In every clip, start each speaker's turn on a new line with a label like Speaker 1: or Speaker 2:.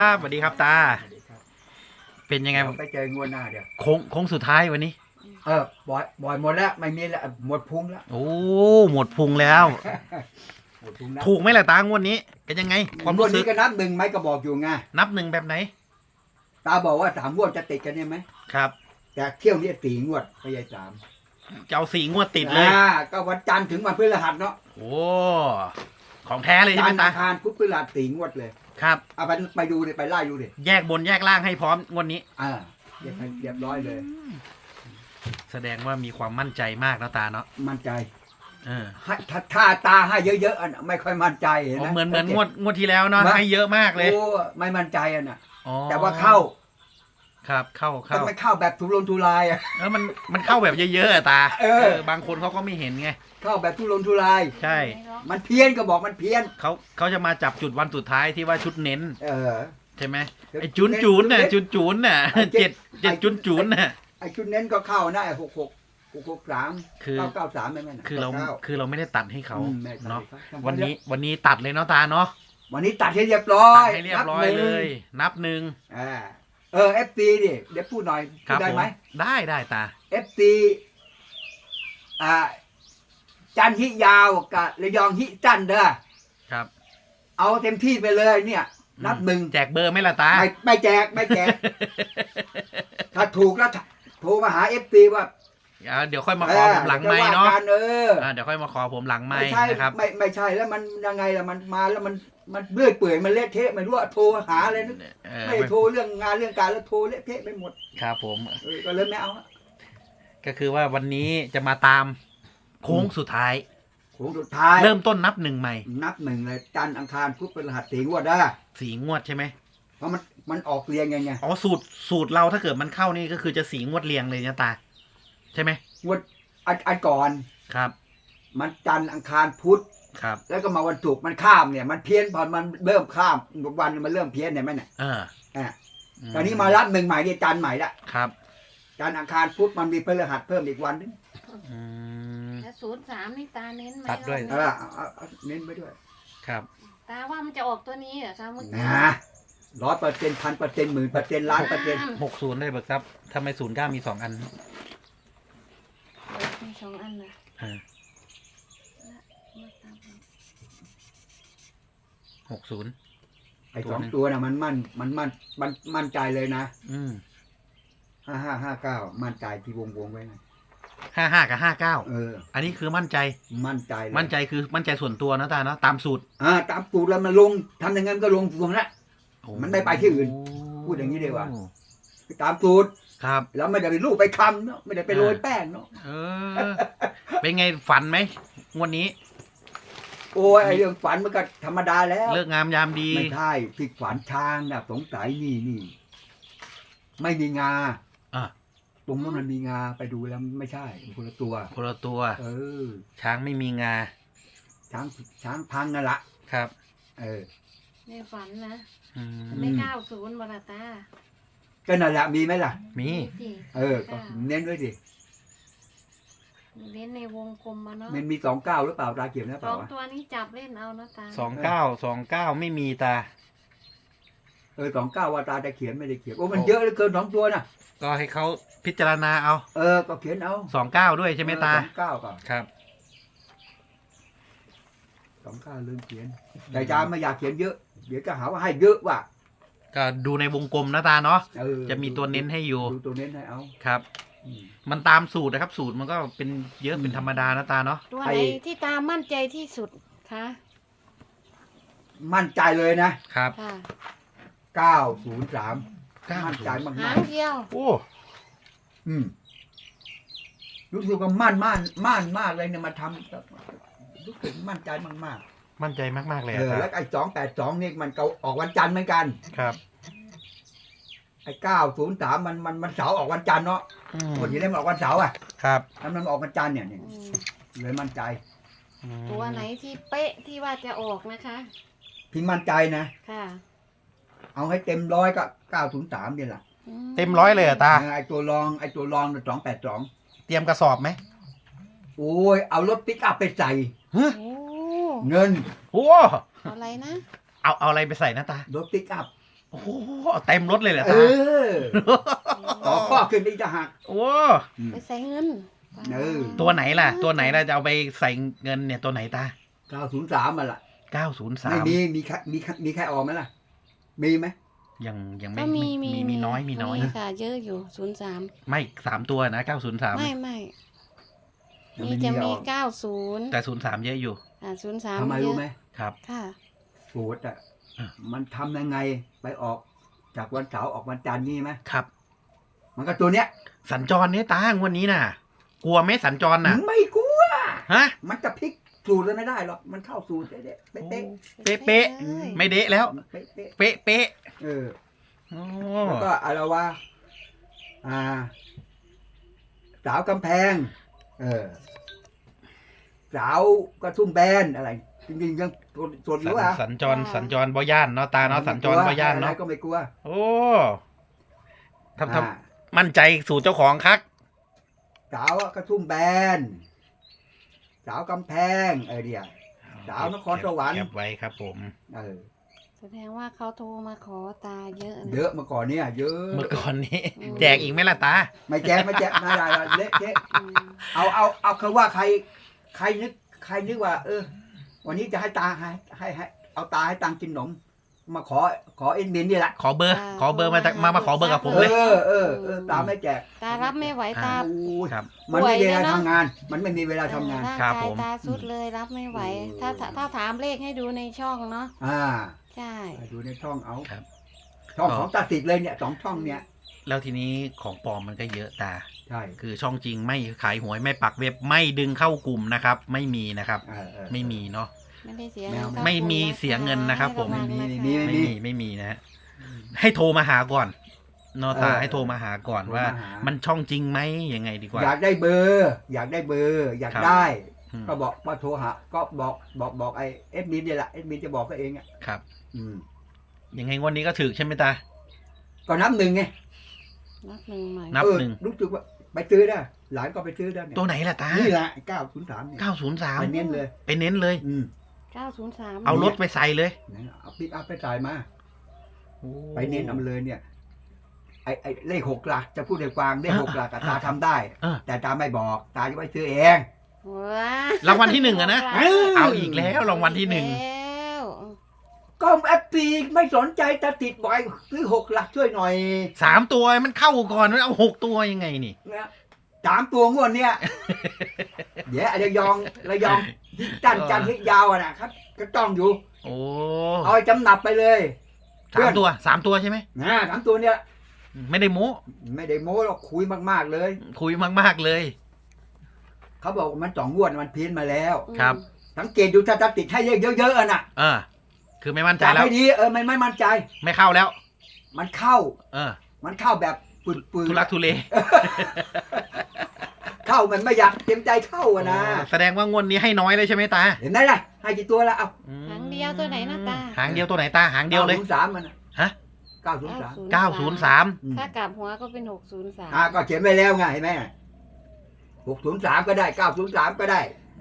Speaker 1: ครับสวัสดีครับตา
Speaker 2: สวัสดีครับ
Speaker 1: เป็นยังไง
Speaker 2: เดี๋ยวไปเจองวดหน้าเดี๋ยว
Speaker 1: โค้งสุดท้ายวันนี้
Speaker 2: บ่อยหมดแล้วไม่มีแล้วหมดพุงแล้ว
Speaker 1: โอ้หมดพุงแล้ว
Speaker 2: หมดพุงแล้ว
Speaker 1: ถูกไหมล่ะตางวดนี้เป็นยังไงความ
Speaker 2: งว
Speaker 1: รู้
Speaker 2: ด
Speaker 1: สึ
Speaker 2: นี้
Speaker 1: ก
Speaker 2: ก็นับหนึ่งไหมก็บอกอยู่ไง
Speaker 1: นับหนึ่งแบบไหน
Speaker 2: ตาบอกว่า3 งวดจะติดกันเนี่ยไหม
Speaker 1: ครับ
Speaker 2: แต่เที่ยวนี้4 งวดไม่ใช่3
Speaker 1: จะเอา4 งวดติดเลย
Speaker 2: ก็วันจันทร์ถึงวันพฤหัสเนาะ
Speaker 1: โอ้ของแท้เลยใช่
Speaker 2: จั
Speaker 1: ไหม
Speaker 2: นทร์
Speaker 1: ตา
Speaker 2: อังคารพุธพฤหัส4 งวดเลย
Speaker 1: ครับ
Speaker 2: เอาไปดูดิไปไล่ดูดิ
Speaker 1: แยกบนแยกล่างให้พร้อมงวดนี้
Speaker 2: เรียบร้อยเลย
Speaker 1: แสดงว่ามีความมั่นใจมากนะตาเนาะ
Speaker 2: มั่นใจ
Speaker 1: ให้
Speaker 2: ถ้าตาให้เยอะๆไม่ค่อยมั่นใจเห็นไหม
Speaker 1: เหมือนงวดที่แล้วเนาะให้เยอะมากเลย
Speaker 2: โอ้ไม่มั่นใจน่ะ
Speaker 1: อ๋อ
Speaker 2: แต่ว่าเข้า
Speaker 1: ครับเข้า
Speaker 2: แต่ไม่เข้าแบบทุรนทุรายอ่ะ
Speaker 1: มันเข้าแบบเยอะๆอะตา บางคนเขาก็ไม่เห็นไง
Speaker 2: เข้าแบบทุรนทุราย
Speaker 1: ใช่
Speaker 2: มันเพี้ยนก็บอกมันเพี้ยน
Speaker 1: เขาจะมาจับจุดวันสุดท้ายที่ว่าชุดเน้น
Speaker 2: อ
Speaker 1: ใช่ไหมไอ้จุนน่ะจุนน่ะ
Speaker 2: ไอ้ชุดเน้นก็เข้านะไอ้663
Speaker 1: คือ
Speaker 2: 993ไม่แม่น
Speaker 1: คือเราไม่ได้ตัดให้เขา
Speaker 2: ไม่ตัด
Speaker 1: เนาะ
Speaker 2: ให้ข
Speaker 1: วันนี้ตัดเลยเนาะตาเนาะ
Speaker 2: วันนี้ตัดให้เรียบร้อย
Speaker 1: ตัดให้เรียบร้อยเลย นับหนึ่ง
Speaker 2: FT ดิเดี๋ยวพูดหน่อย
Speaker 1: ครับ
Speaker 2: ได้
Speaker 1: ผม
Speaker 2: ไหม
Speaker 1: ได้ตา
Speaker 2: FT จันทร์ฮิยาวกับระยองฮิจันทร์เด้อ
Speaker 1: ครับ
Speaker 2: เอาเต็มที่ไปเลยเนี่ย นับหนึ่ง
Speaker 1: แจกเบอร์ไหมล่ะตา
Speaker 2: ไม่แจก ถ้าถูกแล้วโทรมาหา FT ว่า
Speaker 1: เดี๋ยวค่อยมาขอผมหลังไม้เนาะ เดี๋ยวค่อยมาขอผมหลังไม้
Speaker 2: ไม่ใช่
Speaker 1: นะครับ
Speaker 2: ไม่ใช่แล้วมันยังไงล่ะมันมาแล้วมันเลื่อยเปื่อยมันเละเทะไม่รู้ว่าโทรหาอะไรนึกไม่โทรเรื่องงานเรื่องการแล้วโทรเละเทะไปหมด
Speaker 1: ครับผม
Speaker 2: ก็เลยไม่เอา
Speaker 1: ก็คือว่าวันนี้จะมาตามโค้งสุดท้าย
Speaker 2: โค้งสุดท้าย
Speaker 1: เริ่มต้นนับหนึ่งใหม่
Speaker 2: นับหนึ่งเลยจันทร์อังคารพุธพฤหัส4 งวดได้
Speaker 1: 4 งวดใช่ไหม
Speaker 2: เพราะมันออกเรียงไง
Speaker 1: อ๋อสูตรเราถ้าเกิดมันเข้านี่ก็คือจะ4 งวดเรียงเลยนะตา ใช่ไหม
Speaker 2: งวดอันก่อน
Speaker 1: ครับ
Speaker 2: มันจันทร์อังคารพุธ
Speaker 1: ครับ
Speaker 2: แล้วก็มาวันศุกร์มันข้ามเนี่ยมันเพี้ยนพอมันเริ่มข้ามวันมันเริ่มเพี้ยนเห็นไหมเนี่ย ตอนนี้มารับหนึ่งใหม่เนี่ยจันทร์ใหม่ละ
Speaker 1: ครับ
Speaker 2: จันทร์อังคารพุธมันมีพฤหัสเพิ่มอีกวันนึง
Speaker 3: แล้ว03นี่ตาเน้นไหม
Speaker 1: ตัดด้วย
Speaker 2: เอาเน้นไปด้วย
Speaker 1: ครับ
Speaker 3: ตาว่ามันจะออกตัวนี้เหรอคะเมื่อกี้
Speaker 2: นะ100%1,000%10,000%1,000,000%
Speaker 1: 60ได้เบิกครับทำไม09มี2 อัน
Speaker 3: มี2 อันนะ
Speaker 1: 60
Speaker 2: ไอ้2 ตัวน่ะมันมั่นใจเลยนะ 5559มั่นใจที่วงไว้นะ
Speaker 1: 55กับ59อันนี้คือมั่นใจ
Speaker 2: มั่นใจเลย
Speaker 1: มั่นใจคือมั่นใจส่วนตัวนะตาเนาะตามสูตร
Speaker 2: ตามสูตรแล้วมันลงทำอย่างงั้นก็ลงตรงนั้น มันไม่ไปที่อื่น พูดอย่างนี้ดีกว่า ตามสูตร
Speaker 1: ครับ
Speaker 2: แล้วไม่ได้ไปลูกไปคำเนาะไม่ได้ไปโรยแป้งเนาะ
Speaker 1: เป็นไงฝันไหมงวดนี้
Speaker 2: โอ้ยไอ้เรื่องฝันมันก็ธรรมดาแล้ว
Speaker 1: เลิกงามยามดี
Speaker 2: ไม่ใช่ที่ฝันช้างนะสงสัยนี่ไม่มีงา
Speaker 1: อ่ะ
Speaker 2: ตรงนั้นมันมีงาไปดูแล้วไม่ใช่คนละตัว
Speaker 1: คนละตัว
Speaker 2: อ
Speaker 1: ช้างไม่มีงา
Speaker 2: ช้างพังนั่นละ
Speaker 1: ครับ
Speaker 3: ในฝันนะ
Speaker 1: อืม
Speaker 3: ไม่90บาตา
Speaker 2: ก็นั่นแหละมีไหมล่ะ
Speaker 1: มี
Speaker 3: สิ
Speaker 2: ก็เน้นด้วยดิ
Speaker 3: เน้นในวงกลมมาเนาะ
Speaker 2: มันมี29หรือเปล่าตาเขียนหรือเปล่าวะ
Speaker 3: 2 ตัวนี้จับเล่นเอานะตา
Speaker 1: 29ไม่มีตา
Speaker 2: 29ว่าตาจะเขียนไม่ได้เขียนโอ้มันเยอะเหลือเกิน2 ตัวน่ะ
Speaker 1: ก็ให้เขาพิจารณาเอา
Speaker 2: ก็เขียนเอา
Speaker 1: 29ด้วยใช่ไหมตา
Speaker 2: 29ก็
Speaker 1: ครับ
Speaker 2: 29ลืมเขียนแต่อาจารย์ไม่อยากเขียนเยอะเดี๋ยวจะหาว่าให้เยอะว่ะ
Speaker 1: ก็ดูในวงกลมนะตาเนาะ
Speaker 2: เออ
Speaker 1: จะมีตัวเน้นให้อยู่
Speaker 2: ดูตัวเน้นให้เอา
Speaker 1: ครับ มันตามสูตรนะครับ สูตรมันก็เป็นเยอะเป็นธรรมดานะตาเนาะ
Speaker 3: ตัวไหนที่ตามั่นใจที่สุดคะ
Speaker 2: มั่นใจเลยนะครับ
Speaker 3: ค่ะ
Speaker 2: 903มั่นใจมาก
Speaker 3: หางเดียว
Speaker 1: โอ้
Speaker 2: รู้สึกว่ามั่นมากเลยเนี่ยมาทำรู้สึกมั่นใจมาก
Speaker 1: มั่นใจมากๆเลย
Speaker 2: ๆ
Speaker 1: อะตา
Speaker 2: แล้วไอ้282นี่มันก็ออกวันจันทร์เหมือนกัน
Speaker 1: ครับ
Speaker 2: ไอ้903มันเสาร์ออกวันจันทร์เนาะคนที่เล่นมันออกวันเสาร์อ่ะ
Speaker 1: ครับ
Speaker 2: แล้วมันออกวันจันทร์เนี่ย
Speaker 3: อืม
Speaker 2: เลยมั่นใจ
Speaker 3: ตัวไหนที่เป๊ะที่ว่าจะออกนะคะ
Speaker 2: พี่มั่นใจนะ
Speaker 3: ค่ะ
Speaker 2: เอาให้เต็มร้อยก็903นี่แหละ
Speaker 1: เต็มร้อยเลยอะตา
Speaker 2: ไอ้ตัวรอง282
Speaker 1: เตรียมกระสอบไหม
Speaker 2: โอ้ยเอารถปิกอัพไปใส่
Speaker 3: โอ้
Speaker 2: เงิน
Speaker 1: โอ้
Speaker 3: อะไรนะ
Speaker 1: เอาอะไรไปใส่นะตาร
Speaker 2: ถปิกอัพ
Speaker 1: โอ้โหเอาเต็มรถเลยเหรอ
Speaker 2: เอ
Speaker 1: ตา
Speaker 2: อต่อข้อขึ้นอีกจะหัก
Speaker 1: โอ้
Speaker 3: ไปใส่เงิน
Speaker 2: เออ
Speaker 1: ตัวไหนล่ะ ตัวไหนล่ะจะเอาไปใส่เงินเนี่ยตัวไหนตา
Speaker 2: 903มาละไม่
Speaker 1: 903
Speaker 2: มีใครออกไหมล่ะ มีไหม
Speaker 1: ยัง
Speaker 3: ก็
Speaker 1: มีน้อย
Speaker 3: มีค่ะเยอะอยู่03
Speaker 1: ไม่3 ตัวนะ903
Speaker 3: ไม่
Speaker 2: ยัง
Speaker 3: มี
Speaker 2: ไม่
Speaker 3: จะ
Speaker 2: อ
Speaker 3: มี
Speaker 2: อก
Speaker 3: 90
Speaker 1: แต่03เยอะอยู่
Speaker 3: 03
Speaker 2: ทำไม
Speaker 3: เย
Speaker 2: รู้
Speaker 3: อะ
Speaker 2: ไหม
Speaker 1: ครับ
Speaker 3: ค่ะ
Speaker 2: สูตรอ่ะ
Speaker 1: อ่ะ
Speaker 2: มันทำยังไงไปออกจากวันเสาร์ออกวันจันทร์นี่ไหม
Speaker 1: ครับ
Speaker 2: มันก็ตัวเนี้ย
Speaker 1: สัญจรเนี่ยตางวันนี้น่ะ กลัวไหมสัญจรน่ะ
Speaker 2: ไม่กลัว
Speaker 1: ฮะ
Speaker 2: มันจะพลิกสูตรเลยไม่ได้หรอกมันเข้าสูตรเด๊ะๆเป๊ะ
Speaker 1: เป๊ะ
Speaker 3: เลย
Speaker 1: ไม่เดะแล้ว
Speaker 2: ๆเป๊ะ
Speaker 1: เป๊ะ
Speaker 2: ๆเออ
Speaker 1: โอ้
Speaker 2: แล้วก็อะไรวะสาวกำแพง สาวกระทุ่มแบนอะไร จริงๆยังสดอยู่อ่ะ
Speaker 1: สัญจรบ่ย่านเนาะตาเนาะสัญจรบ่ย่าน
Speaker 2: อะไร
Speaker 1: เนาะ
Speaker 2: ก็ไม่กลัว
Speaker 1: โอ้ทำ
Speaker 2: อ่า
Speaker 1: มั่นใจสู่เจ้าของคัก
Speaker 2: สาวกระทุ่มแบน สาวกำแพงเดี๋ยว สาวนครสวรรค์
Speaker 1: เก็บไว้ครับผม
Speaker 3: แสดงว่าเขาโทรมาขอตาเยอะนะ
Speaker 2: เยอะมาก่อนเนี่ยเยอะ
Speaker 1: เมื่อก่อนนี้
Speaker 3: อืม
Speaker 1: แจกอีกไหมล่ะตา
Speaker 2: ไม่แจ๊ไม่ได้เละเทะ
Speaker 3: อืม
Speaker 2: เอาคือว่าใครนึกว่า วันนี้จะให้ตาให้เอาตาให้ตังกินขนม มาขอเอ็นบินนี่แหละ
Speaker 1: ขอเบอร์มาขอเบอร์กับผมเลย
Speaker 2: ตาไม่แจก
Speaker 3: ตารับไม่ไหวตา
Speaker 2: โอ้ย
Speaker 1: ครับ
Speaker 2: มันไม่มีเวลา
Speaker 3: ป่วยแล้วนะ
Speaker 2: ทำงาน มันไม่มีเวลาทำงาน
Speaker 3: ร่าง
Speaker 1: ครับ
Speaker 3: กา
Speaker 1: ผ
Speaker 3: ย
Speaker 1: ม
Speaker 3: ตาสุดเลยรับไม่ไหว ถ้าถามเลขให้ดูในช่องเนาะ ใช่
Speaker 2: ดูในช่องเอา
Speaker 1: ครับ
Speaker 2: ช่องของตาติดเลยเนี่ย2ช่องเนี่ย
Speaker 1: แล้วทีนี้ของปลอมมันก็เยอะตา
Speaker 2: ใช่
Speaker 1: คือช่องจริงไม่ขายหวยไม่ปักเว็บไม่ดึงเข้ากลุ่มนะครับ ไม่มีนะครับ ไม่มีเนาะ
Speaker 3: ไม่ได้เสีย
Speaker 2: แม
Speaker 3: เงิ
Speaker 2: ว
Speaker 3: นกับ
Speaker 1: ไม่มี
Speaker 3: คุณะะ
Speaker 1: เสียเงินนะครับผม
Speaker 3: ให้วังนะคะ
Speaker 1: ไม่มีนะฮะให้โทรมาหาก่อนเนอะตาให้โทรมาหาก่อนว่า มันช่องจริงไหมยังไงดีกว่า
Speaker 2: อยากได้เบอร์ อยาก
Speaker 1: ครับ
Speaker 2: ได้
Speaker 1: อืม
Speaker 2: ก็บอกว่าโทรหา ก็บอกไอ้เอฟมินนี่แหละเอฟมินจะบอกก็เองอ่ะ
Speaker 1: ครับ
Speaker 2: อืม
Speaker 1: ยังไงงวันนี้ก็ถึกใช่ไหมตา
Speaker 2: ก็นับหนึ่งไง
Speaker 3: นับหนึ่งใหม่
Speaker 1: นับหนึ่ง
Speaker 2: รู้สึกว่าไปซื้อได้ หลานก็ไปซื้อได้เนี่ย
Speaker 1: ตัวไหนล่ะตา
Speaker 2: นี่แหละ903เนี่ย
Speaker 1: 903
Speaker 2: ไปเน้นเลย
Speaker 1: ไปเน้นเลย
Speaker 3: 903
Speaker 1: เอารถไปใส่เลย
Speaker 2: เอาปิกอัพไปจ่ายมา ไปเน้นเอามาเลยเนี่ย ไอ้เลข6 หลักจะพูดให้ฟังเลข6 หลักอะตาทำได้ แต่ตาไม่บอก ตาจะไปซื้อเอง
Speaker 3: ว้าร
Speaker 1: างวัลที่หนึ่งอะนะ เอาอีกแล้วรางวัลที่หนึ่ง
Speaker 3: แล้ว
Speaker 2: ก็แอปปีไม่สนใจตาติดบ่อยซื้อ6 หลักช่วยหน่อย
Speaker 1: 3 ตัวมันเข้าก่อนมันเอา6 ตัวยังไงนี่
Speaker 2: นะ3 ตัวงวดเนี่ย เดี๋ยวระยองที่จันทร์ที่ยาวอะนะครับ ก็ต้องอยู่
Speaker 1: โอ้
Speaker 2: เอาไปจำหนับไปเลย
Speaker 1: 3 ตัวใช่ไหม
Speaker 2: นะ3 ตัวเนี่ย
Speaker 1: ไม่ได้โม้
Speaker 2: ไม่ได้โม้หรอกคุยมากๆเลย
Speaker 1: คุยมากๆเลย
Speaker 2: เขาบอกว่ามัน2 งวดมันเพี้ยนมาแล้ว
Speaker 1: ครับ
Speaker 2: สังเกตดูถ้าติดให้เยอะๆอะน่ะ
Speaker 1: คือไม่มั่นใจ
Speaker 2: จับ
Speaker 1: แล้ว
Speaker 2: ให้ดีไม่มั่นใจ
Speaker 1: ไม่เข้าแล้ว
Speaker 2: มันเข้า
Speaker 1: มัน
Speaker 2: เข้าแบบปืน
Speaker 1: ทุลักทุเล
Speaker 2: เข้ามันไม่อยากเต็มใจเข้าอะนะ
Speaker 1: แสดงว่างวดนี้ให้น้อยเลยใช่ไหมตา
Speaker 2: เห็นไหมล่ะให้กี่ตัวแล้วเอา
Speaker 3: หางเดียวตัวไหนนะตา
Speaker 1: หางเดียวตัวไหนตาหางเดียวเลย
Speaker 2: 903มันน่ะ
Speaker 1: ฮะ
Speaker 2: 903
Speaker 1: 903
Speaker 3: ถ้ากลับหัวก็เป็น603
Speaker 2: ก็เขียนไว้แล้วไงเห็นไหม603ก็ได้903ก็ได้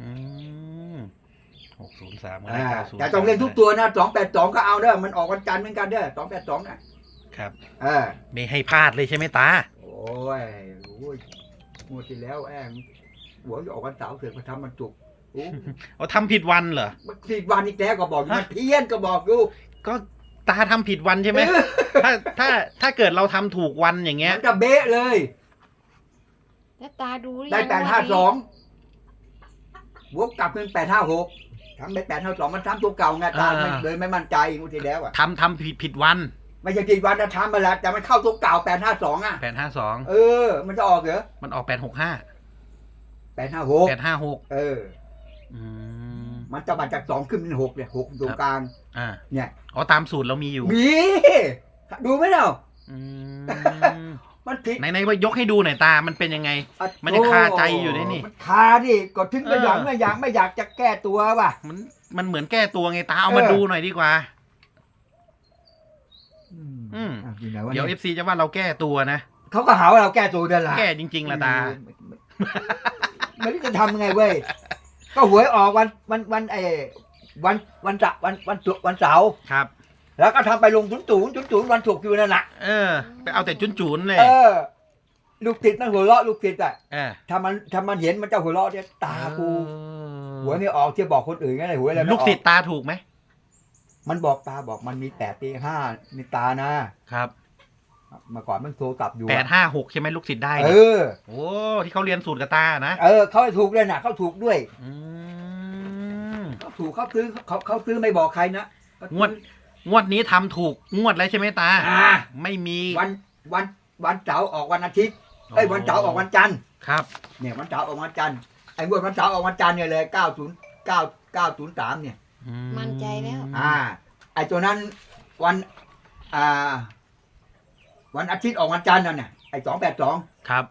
Speaker 1: 603ก็ได้903
Speaker 2: แต่ต้องเล่นทุกตัวนะ282ก็เอาเด้อมันออกวันจันทร์เหมือนกันเด้อ282น่ะ
Speaker 1: ครับ
Speaker 2: เออ
Speaker 1: ไม่ให้พลาดเลยใช่ไหมตา
Speaker 2: โอ้ยงวดที่แล้วหัวจะออกวันเสาร์เสือกมาทำมันจุกโอ้
Speaker 1: เอาทำผิดวันเหรอ
Speaker 2: มันผิดวันอีกแล้วก็บอกอยู่
Speaker 1: ฮะ
Speaker 2: มันเพี้ยนก็บอกอยู่
Speaker 1: ก็ตาทำผิดวันใช่ไหม ถ้าเกิดเราทำถูกวันอย่างเงี้ย
Speaker 2: มันจะเบ๊ะเลย
Speaker 3: แล้วตาดูหรือ
Speaker 2: ได้
Speaker 3: ยัง
Speaker 2: 852วกกลับเป็น856ทำได้852มันทำตัวเก่าไงตาเลยไม่มั่นใจงวดที่แล้วอ่ะ
Speaker 1: ทำผิดวัน
Speaker 2: ไม่ใช่ผิดวันนะทำมาแล้วแต่มันเข้าตัวเก่า852อ่ะ
Speaker 1: 852
Speaker 2: มันจะออกเหรอ
Speaker 1: มันออก865
Speaker 2: 856
Speaker 1: 856 อืม
Speaker 2: มันจะมาจาก2ขึ้นเป็น6เนี่ย6ตรงกลาง เนี่ย
Speaker 1: อ๋อตามสูตรเรามีอยู่
Speaker 2: มีดูไหมเนาะ
Speaker 1: อืม
Speaker 2: มันผิด
Speaker 1: ไหนๆยกให้ดูหน่อยตามันเป็นยังไง มันยังคาใจอยู่ด้วยนี่
Speaker 2: มันคาดิก็ถึงไม่อยากจะแก้ตัวว่ะ
Speaker 1: มันเหมือนแก้ตัวไงตาเอามาดูหน่อยดีกว่า
Speaker 2: อยู่ไหนวะ
Speaker 1: เดี๋ยว
Speaker 2: เนี่ย
Speaker 1: FC จะว่าเราแก้ตัวนะ
Speaker 2: เขาก็หาว่าเราแก้ตัวเดินละ
Speaker 1: แก้จริงๆละตา
Speaker 2: ไม่รู้จะทำยังไงเว้ยก็หวยออกวันเสาร์
Speaker 1: ครับ
Speaker 2: แล้วก็ทำไปลงจุนวันศุกร์อยู่นั่นแหละ
Speaker 1: ไปเอาแต่จุนๆเลย
Speaker 2: ลูกติดนั่นหัวเราะลูกติดอ่ะ
Speaker 1: เออ
Speaker 2: ถ้ามันเห็นมันจะหัวเราะเนี่ยตากูหัวไม่ออกที่บอกคนอื่นไงหัวอะไรไม่ออก
Speaker 1: ลูกศิษย์ตาถูกไหม
Speaker 2: มันบอกตาบอกมันมี8 ตี 5มีตานะครับเมื่อก่อนมันโทรกลับอยู่
Speaker 1: 856ใช่ไหมลูกศิษย์ได้
Speaker 2: เอ
Speaker 1: เนี่ย
Speaker 2: อ
Speaker 1: โอ้ที่เขาเรียนสูตรกับตานะ
Speaker 2: เขาถูกด้วยนะเขาถูกด้วย
Speaker 1: อืม
Speaker 2: เขาถูกเขาซื้อไม่บอกใครนะ
Speaker 1: งวดนี้ทำถูกงวดแล้วใช่ไหมตา ไม่มี
Speaker 2: วันเสาร์ออกวันอาทิตย์วันเสาร์ออกวันจันทร์
Speaker 1: ครับ
Speaker 2: เนี่ยวันเสาร์ออกวันจันทร์ไอ้งวดวันเสาร์ออกวันจันทร์เนี่ยเลย90903เนี่ย
Speaker 3: มั่นใจแล้ว
Speaker 2: ไอ้ตัวนั้นวันวันอาทิตย์ออกวันจันทร์นั่นน่ะไอ้282
Speaker 1: ครับ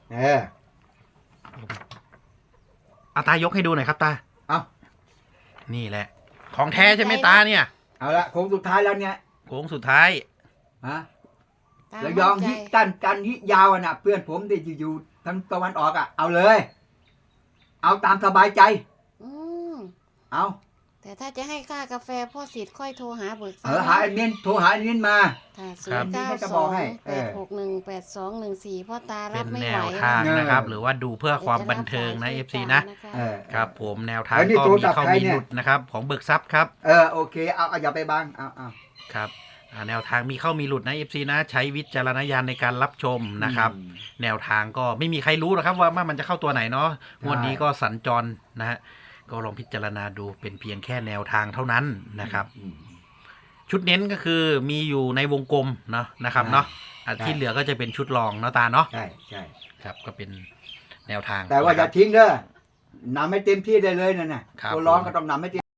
Speaker 1: เอาตายกให้ดูหน่อยครับตา
Speaker 2: เอา
Speaker 1: นี่แหละ ของแท้ใช่ไหมตาเนี่ย
Speaker 2: เอาละโค้งสุดท้ายแล้วเนี่ย
Speaker 1: โค้งสุดท้าย
Speaker 3: ตา
Speaker 2: ระยอง
Speaker 3: มั่นใจ
Speaker 2: ฮิจันฮิยาวน่ะเพื่อนผมที่อยู่ทางตะวันออกเอาเลย เอาตามสบายใจ
Speaker 3: อืม
Speaker 2: เอา
Speaker 3: แต่ถ้าจะให้ค่ากาแฟพ่อสิทธิ์ค่อยโทรหาเบิกทรัพ
Speaker 2: หาไอ้นินโทรหาไอ้นินมา
Speaker 3: ค่ะ
Speaker 1: ครับ
Speaker 3: 0928618214พ่อตา
Speaker 1: เป็
Speaker 3: รับ
Speaker 1: น
Speaker 3: ไม่
Speaker 1: แน
Speaker 3: ไหว
Speaker 1: วทางนะครับ หรือว่าดูเพื่อความบันเทิงนะ FC นะ ครับผมแนวทางก็มีเข้ามีหลุดนะครับ ของเบิกทรัพย์ครับ
Speaker 2: โอเคเอาอย่าไปบังเอา
Speaker 1: ครับแนวทางมีเข้ามีหลุดนะ FC นะ ใช้วิจารณญาณในการรับชมนะครับ แนวทางก็ไม่มีใครรู้หรอกครับว่ามันจะเข้าตัวไหนเนาะงวดนี้ก็สัญจรนะฮะก็ลองพิจารณาดูเป็นเพียงแค่แนวทางเท่านั้นนะครับ ชุดเน้นก็คือมีอยู่ในวงกลมเนาะนะครับเนาะที่เหลือก็จะเป็นชุดรองเนาะตาเนาะ
Speaker 2: ใช่
Speaker 1: ครับก็เป็นแนวทาง
Speaker 2: แต่ว่าอย่าทิ้งเด้อนำให้เต็มที่ได้เลยนั่นน่ะ
Speaker 1: ครับ
Speaker 2: ตัวร้องก็ต้องนำให้เต็ม